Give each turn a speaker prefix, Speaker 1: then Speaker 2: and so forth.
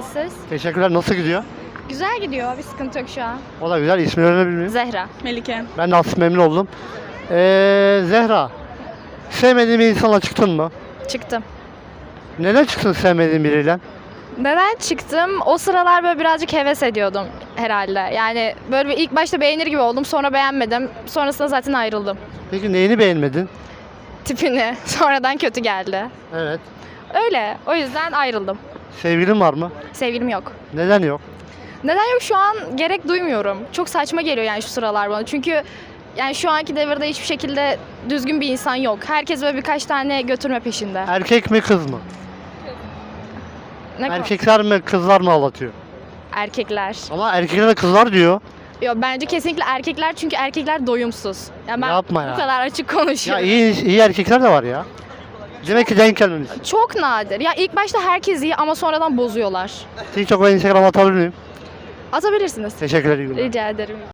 Speaker 1: siz?
Speaker 2: Teşekkürler. Nasıl gidiyor?
Speaker 1: Güzel gidiyor. Bir sıkıntı yok şu an.
Speaker 2: O da güzel. İsmini öğrenebilir miyim?
Speaker 1: Zehra.
Speaker 3: Melike.
Speaker 2: Ben de aslında memnun oldum. Zehra, sevmediğin bir insanla çıktın mı?
Speaker 1: Çıktım.
Speaker 2: Neden çıktın sevmediğin biriyle?
Speaker 1: Neden çıktım? O sıralar böyle birazcık heves ediyordum herhalde. Yani böyle bir ilk başta beğenir gibi oldum. Sonra beğenmedim. Sonrasında zaten ayrıldım.
Speaker 2: Peki neyini beğenmedin?
Speaker 1: Tipini. Sonradan kötü geldi.
Speaker 2: Evet.
Speaker 1: Öyle. O yüzden ayrıldım.
Speaker 2: Sevgilin var mı?
Speaker 1: Sevgilim yok.
Speaker 2: Neden yok?
Speaker 1: Neden yok şu an gerek duymuyorum. Çok saçma geliyor yani şu sıralar bana. Çünkü yani şu anki devirde hiçbir şekilde düzgün bir insan yok. Herkes böyle birkaç tane götürme peşinde.
Speaker 2: Erkek mi kız mı?
Speaker 1: Ne konu?
Speaker 2: Erkekler mi kızlar mı aldatıyor?
Speaker 1: Erkekler.
Speaker 2: Ama erkekler de kızlar diyor.
Speaker 1: Yo, bence kesinlikle erkekler çünkü erkekler doyumsuz. Yani ben
Speaker 2: Yapma ya.
Speaker 1: bu kadar açık
Speaker 2: Ya
Speaker 1: konuşuyorum.
Speaker 2: iyi erkekler de var ya. Demek ki denk gelmemiş.
Speaker 1: Çok nadir. Ya ilk başta herkes iyi ama sonradan bozuyorlar.
Speaker 2: TikTok ve Instagram atabilir miyim?
Speaker 1: Atabilirsiniz.
Speaker 2: Teşekkür ederim.
Speaker 1: Rica ederim.